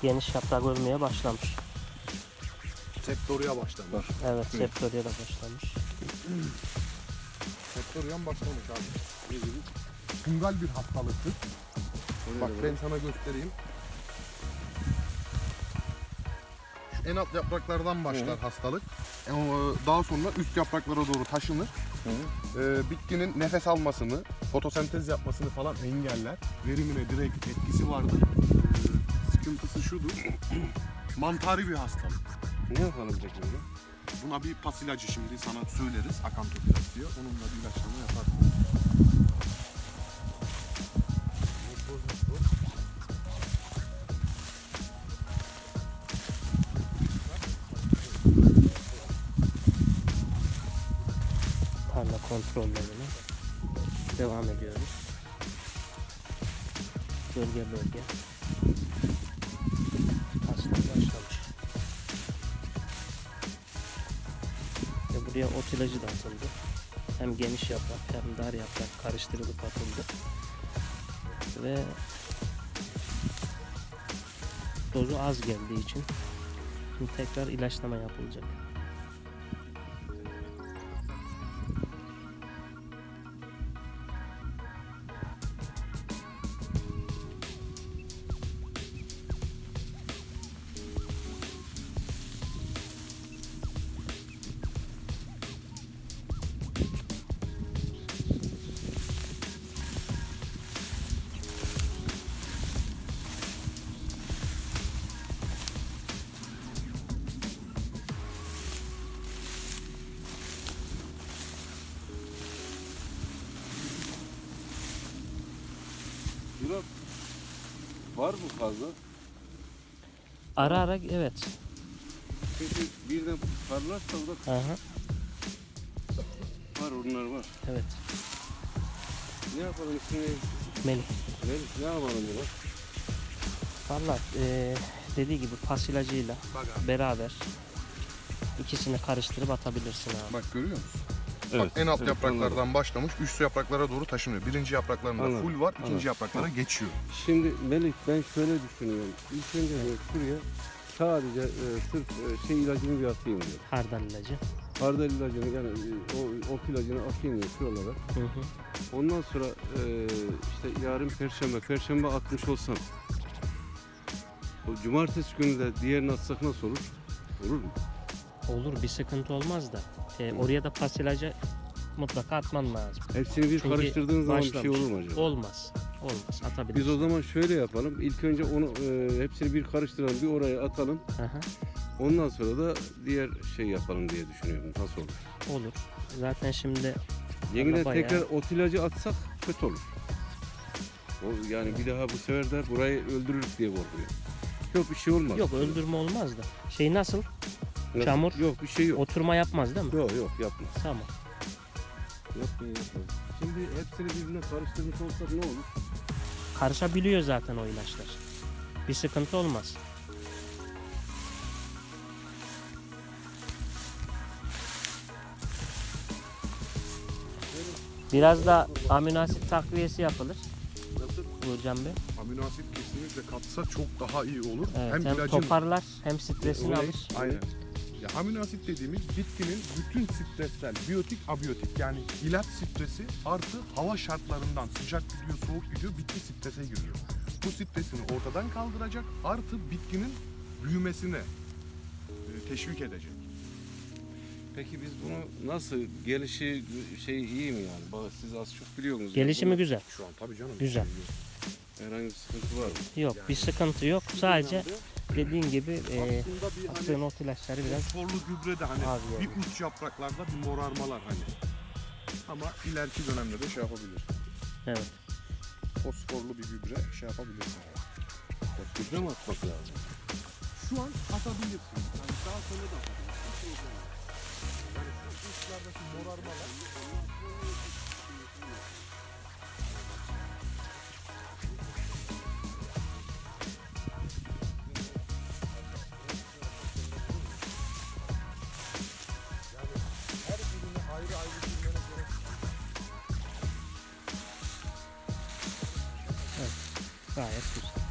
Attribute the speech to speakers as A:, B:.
A: geniş yaprak örmeye başlamış.
B: Septoria başlamış.
A: Evet, septoria da başlamış.
B: Septoria'm başlamış abi. Fungal bir hastalıktır. Bak ben sana göstereyim. Şu en alt yapraklardan başlar hastalık. Daha sonra üst yapraklara doğru taşınır. Bitkinin nefes almasını, fotosentez yapmasını falan engeller. Verimine direkt etkisi vardır. Sıkıntısı şudur. Mantari bir hastalık.
C: Ne yapalım peki öyle?
B: Buna bir pas ilacı şimdi sana söyleriz. Akantoplas diyor. Onunla bir ilaçlama yaparsın.
A: Tarla kontrollerine devam ediyoruz. Bölge bölge. Aslında başlamış. Ve buraya ot ilacı da atıldı. Hem geniş yaprak hem dar yaprak karıştırılıp atıldı. Ve dozu az geldiği için şimdi tekrar ilaçlama yapılacak.
C: Biraz var mı fazla?
A: Ara ara evet.
C: Çünkü birden parlarsa o da
A: Aha,
C: var, onlar var.
A: evet.
C: Ne yapalım üstüne?
A: Melih.
C: Ne yapalım biraz?
A: Valla dediği gibi pas ilacıyla
B: Bak abi.
A: beraber ikisini karıştırıp atabilirsin abi.
B: Bak görüyor musun?
C: Evet.
B: Bak en alt
C: evet,
B: yapraklardan
C: anladım.
B: başlamış, üst yapraklara doğru taşınıyor. Birinci yapraklarında
C: Anladım,
B: full var,
C: anladım.
B: ikinci yapraklara geçiyor.
C: Şimdi Melih, ben şöyle düşünüyorum. İlk önce şuraya sadece sırf şey ilacını bir atayım diyor.
A: Hardal ilacı.
C: Hardal ilacını, yani ot ilacını atayım diyor şuralara.
A: Hı hı.
C: Ondan sonra işte yarın perşembe atmış olsam, o cumartesi günü de diğerini atsak nasıl olur? Olur mu?
A: Olur, bir sıkıntı olmaz da oraya da pas ilacı mutlaka atman lazım.
C: Hepsini bir
A: Çünkü
C: karıştırdığın zaman bir şey
A: başlamış.
C: olur mu acaba?
A: Olmaz. Olmaz. Atabilirsin.
C: Biz o zaman şöyle yapalım. İlk önce onu hepsini bir karıştıralım, bir oraya atalım.
A: Aha,
C: Ondan sonra da diğer şey yapalım diye düşünüyorum. Nasıl olur?
A: olur. Zaten şimdi
C: Yeniden
A: bayağı-
C: tekrar ot ilacı atsak kötü olur. O, yani bir daha bu sefer de burayı öldürürük diye korkuyor. Yok, bir şey olmaz.
A: yok, öldürme olmaz da. Şey nasıl?
C: Nasıl?
A: çamur.
C: Yok, bir şey yok.
A: Oturma yapmaz değil mi?
C: Yok yapmaz.
A: Tamam.
C: Yapmaz. Şimdi hepsini birbirine karıştırmış olsak ne olur?
A: Karışabiliyor zaten o ilaçlar. Bir sıkıntı olmaz. Biraz da amino asit takviyesi yapılır.
C: Nasıl?
A: Burcan Bey.
B: Amino asit kesinlikle katsa çok daha iyi olur.
A: Evet, hem
B: ilacın...
A: toparlar hem stresini
C: Olay-
A: alır.
B: Aynen. Ya amino asit dediğimiz bitkinin bütün stressel, biyotik, abiyotik yani ilaç stresi artı hava şartlarından sıcak gidiyor, soğuk gidiyor, bitki strese giriyor. Bu stresini ortadan kaldıracak artı bitkinin büyümesine teşvik edecek.
C: Peki biz bunu nasıl, gelişi şey iyi mi yani? Bak, siz az çok biliyor musunuz?
A: Gelişimi
C: Bunu-
A: güzel.
B: Şu an tabii canım.
A: Güzel.
C: Herhangi bir sıkıntı var mı?
A: Yok, bir sıkıntı yok. Sadece dediğin gibi
B: Aslında bir hani
A: attığın ot ilaçları biraz
B: fosforlu gübre de hani
A: az
B: bir
A: yani.
B: uç yapraklarda bir morarmalar hani. Ama ileriki dönemde de şey yapabilir.
A: Evet.
B: Fosforlu bir gübre şey yapabilirsin.
C: Gübre mi atmak lazım?
B: Şu an atabilirsin. Yani daha sonra da atabilirsin. Yani şu uçlardaki morarmalar her birine ayrı ayrı girmene gerek yok.
A: Gayet güzel.